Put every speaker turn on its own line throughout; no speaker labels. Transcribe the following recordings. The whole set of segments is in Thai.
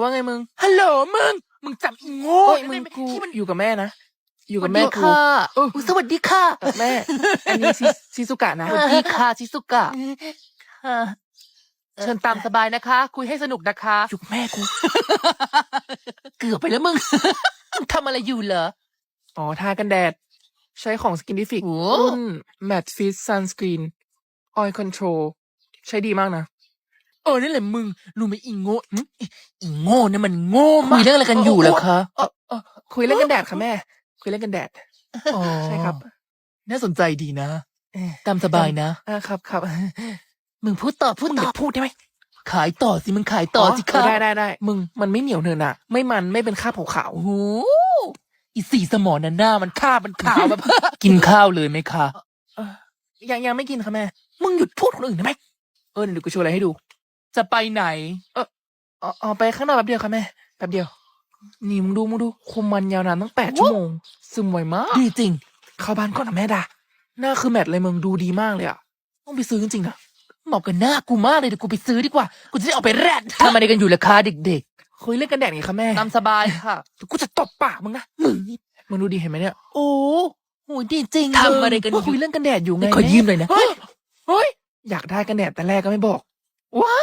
ว่าไงมึง
ฮัลโหลมึงจำอีโง่
โอ้ย
ได้
มึง
ไหม
กู
ที่มัน
อยู่กับแม่นะอยู่
ส
กั
วั
บ
ส
แม่
ดี
กู
ค่ะ
เออ
สวัสดีค่ะ
แม่ อันนี้ชิซุกะนะ
สวัสดีค่ะชิซุกะ
ค่ะเชิญตามสบายนะคะ คุยให้สนุกนะคะ
อยู่กับแม่กู เกือบไปแล้วมึง มึงทำอะไรอยู่เหรอ
อ๋อทากันแดด ใช้ของ Skinnific
โอ้
รุ่น Matte Fit Sunscreen Oil Control ใช้ดีมากนะ
นั่นแหละมึงรู้ไหมอีโง่อีโง่เนี่ยมันโง่มาก
คุยเรื่องอะไรกันอยู่เหรอคะ
เออเออ
คุยเรื่องกันแดดค่ะแม่ คุยเรื่องกันแดด
อ๋อ
ใช่ครับ
น่าสนใจดีนะ
เอ่อ
ตามสบายนะ
ครับ
มึงพูดต่อ
มึงอย่าพูดได้ไหม
ขายต่อสิมึงขายต่อสิค่ะ
ได้มึงมันไม่เหนียวเนินอะไม่มันไม่เป็นคราบขาว
โอ้โหอีสีสมอนั่นหน้ามันขาวแบบ กินข้าวเลยไหมคะ
ๆยังไม่กินค่ะแม่
มึงหยุดพูดคนอื่นได้ไหม
เดี๋ยวกูโชว์อะไรให้ดู
จะไปไหน
อ๋อไปข้างนอกแป๊บเดียวค่ะแม่แป๊บเดียว นี่มึงดูคุมมันยาวนานตั้ง8 ชั่วโมง ซึมไวมาก
ดีจริง
เข้าบ้านก่อนนะแม่ด่าหน้าคือแมทเลยมึงดูดีมากเลยอะต้องไปซื้อจริงๆนะ
เหมาะกับหน้ากูมากเลยเดี๋ยวกูไปซื้อดีกว่า กูจะได้เอาไปแรดทำอะไรกันอยู่ล่ะคะเด็ก
คุยเรื่องกันแดดไงคะแม่
ๆ ตามสบายค่ะ
เดี๋ยวกูจะตบปากมึงนะมึงนี่มึงดูดีเห็นไหมเนี่ย
โอ้โหดีจริงทำอะไรกันอ
คุย
ยู่
เรื่องกันแดดอยู่ไง
ขอยืมหน่อยนะ
เฮ้ยอยากได้กันแดดแต่แรกก็ไม่บอก
ว้า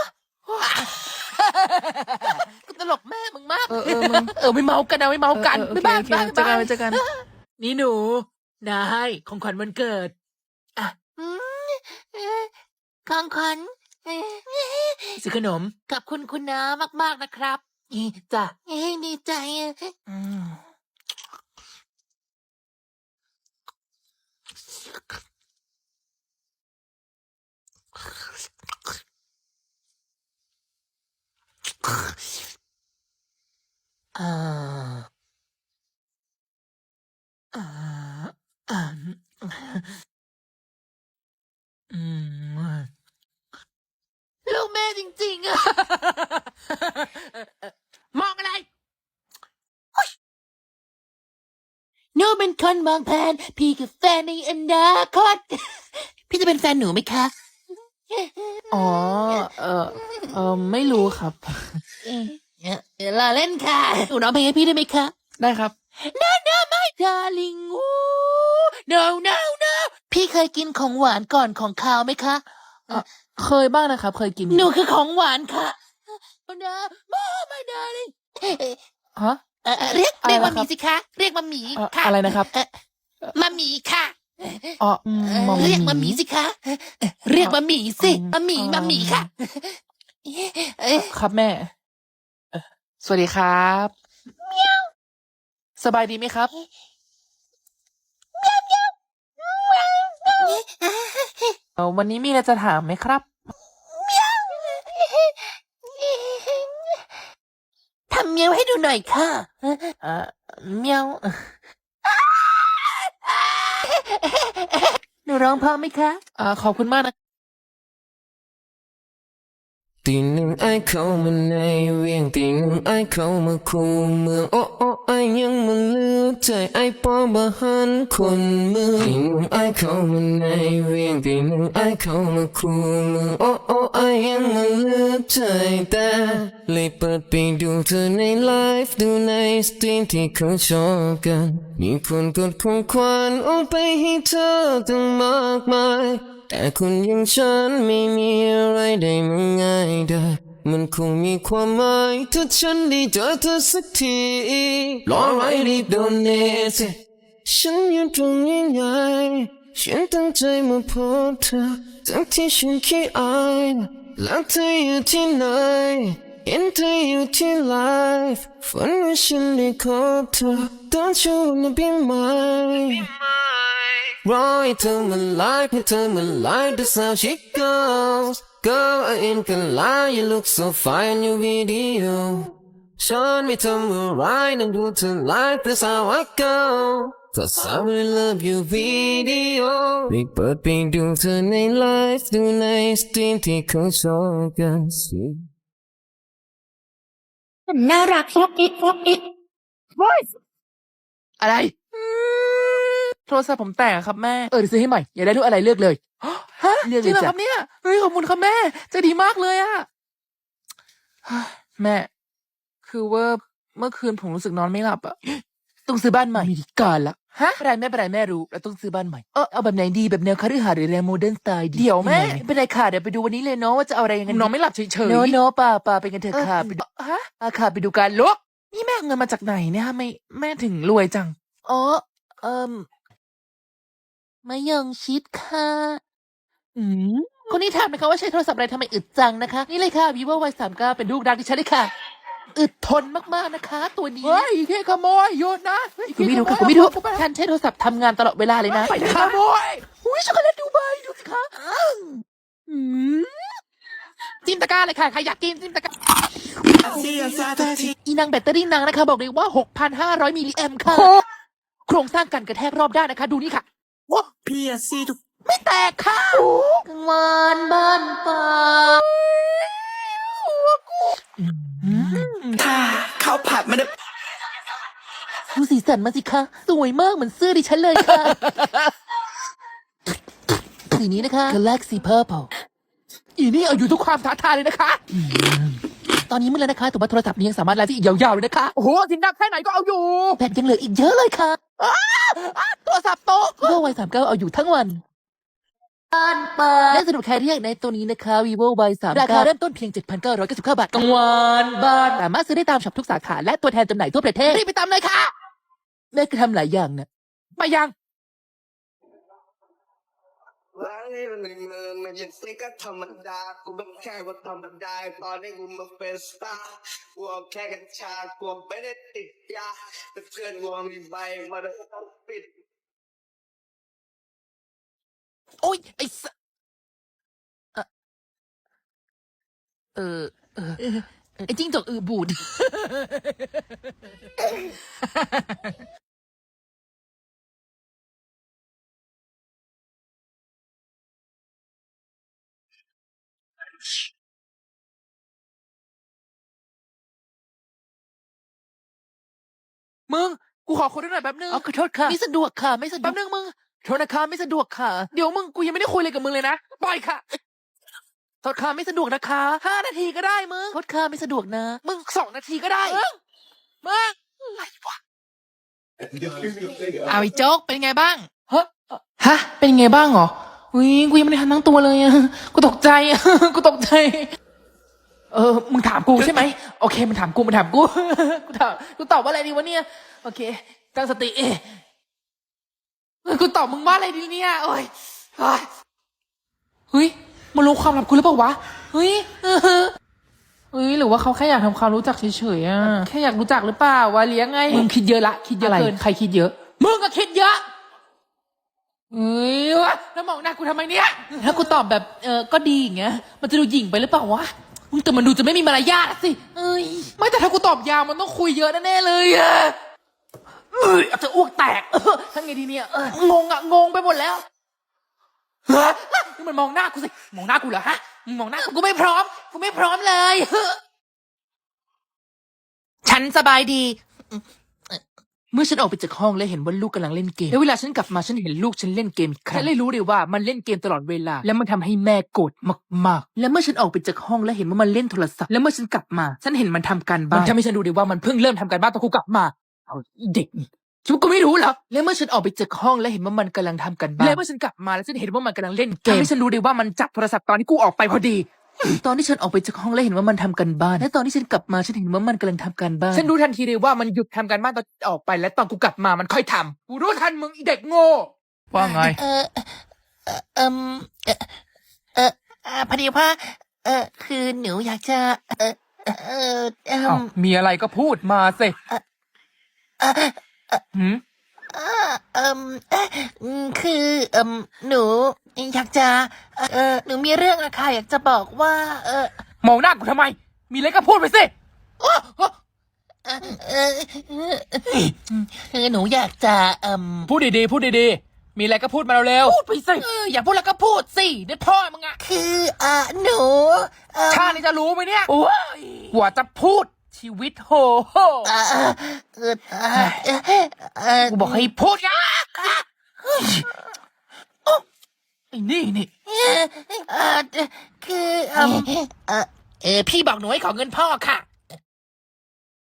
กูตลกแม่มึงมาก
มึง
ไม่เมากันนะไม่เมากัน
โอ
บ๊าย
เค
บาย
โอเค
บ๊ายบาย
เจอกัน
นี่หนูนายของขวัญวันเกิด อ่ะของขวัญซื้อขนมขอบคุณคุณน้ามากๆนะครับจ้ะดีใจ
อืม
อ่าอ่าอ่าอืมลูกแม่จริงๆอะ มองอะไรหนูเป็นคนมองแผนพี่คือแฟนในอนาคต พี่จะเป็นแฟนหนูไหมคะ
อ๋อไม่รู้ครับ
ลาเล่นค่ะหนูร้องเพลงให้พี่ได้ไหมคะ
ได้ครับ
ไม่ดาลิงno พี่เคยกินของหวานก่อนของคาวไหมคะ
เคยบ้างนะครับ เคยกิน
หนูคือของหวานค่ะไม่ดาลิง
ฮะ
เรียก
อะไร
มา
นะ
ห
ครั
มี
บ
สิคะเรียกมาหมีค่ะ
อะไรนะครับ
มาหมีค่ะ
อ๋อมอม
เรียกมาหมีสิคะเรียกมาหมีสิมาหมีค่ะ
ครับแม่สวัสดีครับสบายดีไหมครับวันนี้มีอะไรจะถามไหมครับ
ทำเมียวให้ดูหน่อยค่ะ
เมียว
หนูร้องเพราะไหมคะ
ขอบคุณมากนะ
ตีหนึ่งไอเข้ามาในเวียงตีหนึ่งไอเข้ามาคูเมืองโอ้ไอยังมาเลือกใจไอปอบะหันคนเมืองตีหนึ่งไอเข้ามาในเวียงตีหนึ่งไอเข้ามาคูเมืองโอ้ไอยังมาเลือกใจแต่เลยเปิดไปดูเธอในไลฟ์ดูในสตรีมที่เขาชอบกันมีคนกดของขวัญเอาไปให้เธอตั้งมากมายแต่คนอย่างฉันไม่มีอะไรได้มาง่ายได้มันคงมีความหมายถ้าฉันได้เจอเธอสักทีรอไว้รีบโดนเนสฉันอยู่ตรงนี้ไงฉันตั้งใจมาพบเธอทั้งที่ฉันขี้อายแล้วเธออยู่ที่ไหนเห็นเธออยู่ที่ไลฟ์ฝันว่าฉันได้พบเธอ Don't you wanna be mine รอให้เธอมาไลฟ์ให้เธอมาไลฟ์ That's how she goes Girl I ain't gonna lie You look so fine in your video ฉันไม่ทำอะไรนั่งดูเธอไลฟ์ That's how I go Cause I really love your video ได้เปิดไปดูเธอในไลฟ์ดูในสตรีมที่เขาชอบกันสิ
น่ารักฟอกอิด
อะไร
โทรศัพท์ผมแตกอะครับแม่
เดี๋ยวซื้อให้ใหม่อยากได้รูปอะไรเลือกเลย
ฮะ
เรียกเลย
จริงเหรอ
จ้ะ
ครับเนี่ยเฮ้ยขอบคุณครับแม่ใจะดีมากเลยอะเฮ้ยแม่คือว่าเมื่อคืนผมรู้สึกนอนไม่หลับอะต้องซื้อบ้านใหม่มีการละฮะไม่เป็นไรแม่รู้เราต้องซื้อบ้านใหม่เอาแบบไหนดีแบบแนวคฤหาสน์หรือแนวโมเดิร์นสไตล์ดีเดี๋ยวแม่ไม่เป็นไรค่ะเดี๋ยวไปดูวันนี้เลยเนาะว่าจะเอาอะไรยังไงนอนไม่หลับเฉยๆโนป่าไปกันเถอะค่ะไปดูฮะค่ะไปดูการลุกนี่แม่เอาเงินมาจากไหนเนี่ยฮะไม่แม่ถึงรวยจังอ๋อ
มะยงชิดค่ะ คนนี้ถามนะคะว่าใช้โทรศัพท์อะไรทำไมอึดจังนะคะ นี่เลยค่ะ vivo Y39 เป็นลูกรักที่ใช้เลยค่ะ อึดทนมากๆนะคะ ตัวนี้
เฮ้ยแค่ขโมยหยุดนะ
กูไม่รู้ค่ะกูไม่รู้ฉันใช้โทรศัพท์ทำงานตลอดเวลาเลยนะ
ไปขโมยอุ้ยช็อกโกแลตดูใบดูสิคะ
จิ้มตะกร้าเลยค่ะ ใครอยากกินจิ้มตะกร้าอีนางแบตเตอรี่นางนะคะ บอกเลยว่า 6,500 มิลลิแอมค่ะ โครงสร้างกันกระแทกรอบด้านนะคะ ดูนี่ค่ะ
พี่อะซี่ทุก
ไม่แตกค่ะกลางวันบ้านป่า
ท่าข้าวผัดมันได้
ดูสีสันมาสิคะ สวยมากเหมือนเสื้อดิฉันเลยค่ะ สีนี้นะคะ Galaxy Purple
อีนี่เอาอยู่ทุกความท้าทายเลยนะคะ
ตอนนี้มืดแล้วนะคะแต่ว่าโทรศัพท์นี้ยังสามารถไลฟ์ได้อีกยาวๆเลยนะคะ
โอ้โหสินดับแค่ไหนก็เอาอยู่
แบตยังเหลืออีกเยอะเลยค่ะ
โทรศัพท์โตก
vivo Y39 เอาอยู่ทั้งวันและสนุกใครที่อยากในตัวนี้นะคะ vivo Y39 ราคาเริ่มต้นเพียง 7,999 บาทกลางวันบ้านสามารถซื้อได้ตามช็อปทุกสาขาและตัวแทนจำหน่ายทั่วประเทศรีบไปตามเลยค่ะแม่ก็ทำหลายอย่างนะ
ไปยัง
ร้านนี้มันในเมืองมันยังซิก็ธรรมดากูเป็นแค่ว่าธรรมดาตอนนี้กูมาเป็นสตาร์กูเอาแค่กัญชากูไม่ได้ติดยาแต่เพื่อนกูมีใบมาแล้วต้องปิด
โอ๊ยไอ้สะไอ้จิ้งจกบูด
มึง กูขอคนด้วยหน่อยแป๊บนึง
ขอโทษค่ะไม่สะดวกค่ะไม่สะดว
แป๊
ก
บนึงมึง
โทษนะคะไม่สะดวกค่ะ
เดี๋ยวมึง กูยังไม่ได้คุยอะไรกับมึงเลยนะ ปล่อยค่ะ
โทษค่ะไม่สะดวกนะคะ
5 นาทีก็ได้มึง
โทษค่ะไม่สะดวกนะ
มึง2 นาทีก็ได้มึงอะไรวะ
เอาไอ้โจ๊กเป็นไงบ้าง
ฮะ เป็นไงบ้างเหรออุ้ยกูยังไม่ได้ทันตั้งตัวเลยอะกูตกใจอะ กูตกใจ มึงถามกูใช่ไหม โอเค มึงถามกู กูกูตอบว่าอะไรดีวะเนี่ย โอเค ตั้งสติกูตอบมึงว่าอะไรดีเนี่ยโอ้ยเฮ้ยมันรู้ความลับกูหรือเปล่าวะ เฮ้ยหรือว่าเขาแค่อยากทำความรู้จักเฉยๆอะแค่อยากรู้จักหรือเปล่าวะเลี้ยงไง มึงคิดเยอะละ คิดเยอะเกิน ใครคิดเยอะ มึงก็คิดเยอะวะแล้วมองหน้ากูทำไมเนี่ย ถ้ากูตอบแบบก็ดีอย่างเงี้ย มันจะดูหยิ่งไปหรือเปล่าวะมึงแต่มันดูจะไม่มีมารยาทอะสิไม่แต่ถ้ากูตอบยาวมันต้องคุยเยอะแน่ๆเลยอะอาจจะอ้วกแตกทั้งไงดีเนี่ยงงไปหมดแล้วนี่มันมองหน้ากูสิ มองหน้ากูเหรอฮะมึงมองหน้ากูไม่พร้อมเลยฉันสบายดี เมื่อฉันออกไปจากห้องและเห็นว่าลูกกำลังเล่นเกมแล้วเวลาฉันกลับมาฉันเห็นลูกฉันเล่นเกมอีกครั้งฉันเลยรู้เลยว่ามันเล่นเกมตลอดเวลาและมันทำให้แม่โกรธมากๆและเมื่อฉันออกไปจากห้องและเห็นว่ามันเล่นโทรศัพท์และเมื่อฉันกลับมาฉันเห็นมันทำการบ้านมันทำให้ฉันรู้เลยว่ามันเพิ่งเริ่มทำการบ้านตอนกูกลับมาเอาเด็กนี่ฉันก็ไม่รู้เหรอและเมื่อฉันออกไปจากห้องและเห็นว่ามันกำลังทำการบ้านและเมื่อฉันกลับมาแล้วฉันเห็นว่ามันกำลังเล่นเกมทำให้ฉันรู้เลยว่ามันจับโทรศัพท์ตอนที่กูออกไปพอดี ตอนที่ฉันออกไปจากห้องแล้วเห็นว่ามันทำกันบ้านและตอนที่ฉันกลับมาฉันเห็นว่ามันกำลังทำการบ้านฉันรู้ทันทีเลยว่ามันหยุดทำการบ้านตอนออกไปและตอนกูกลับมามันค่อยทำกูรู้ทันมึงอีเด็กโง่ว่าไง
พอดีว่าคือหนูอยากจะ
มีอะไรก็พูดมาสิ
คือหนูอยากจะหนูมีเรื่องอะค่ะอยากจะบอกว่าม
องหน้ากูทำไม มีอะไรก็พูดไปสิ
คือหนูอยากจะ
พูดดีๆมีอะไรก็พูดมาเร็วๆพูดไปสิอย่าพูดแล้วก็พูดสิเดี๋ยวพ่อมึงอะ
คือหนู
ชาตินี้จะรู้ไหมเนี่ยโอ้ยกว่าจะพูดชีวิตโหกูบอกให้พูดนะไอ้นี่
คือพี่บอกหนูให้ขอเงินพ่อค่ะ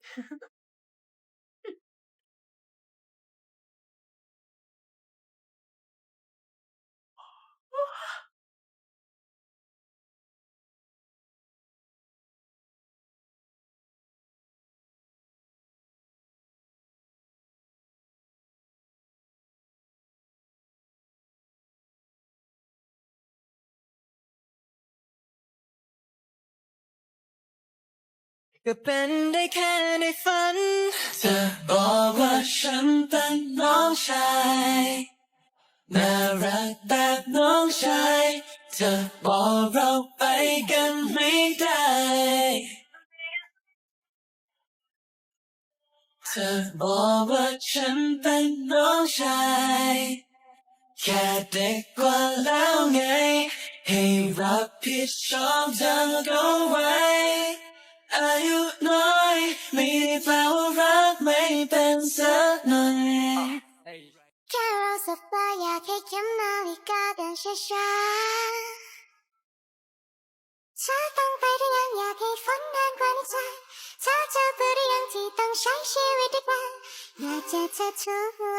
ก็เป็นได้แค่ในฝันเธอบอกว่าฉันเป็นน้องชายน่ารักแบบน้องชายเธอบอกเราไปกันไม่ได้เธอบอกว่าฉันเป็นน้องชายแค่เด็กกว่าแล้วไงให้รับผิดชอบเธอก็ไว้อายุน้อยไม่ได้แปลว่ารักไม่เป็นสักหน่อย
แค่เราสบตาอยากให้เข็มนาฬิกาเดินช้าๆช้าต้องไปหรือยังอยากให้ฝันนานกว่านี้ใจเธอเบื่อหรือยังที่ต้องใช้ชีวิตด้วยกันอยากเจอเธอทุกวั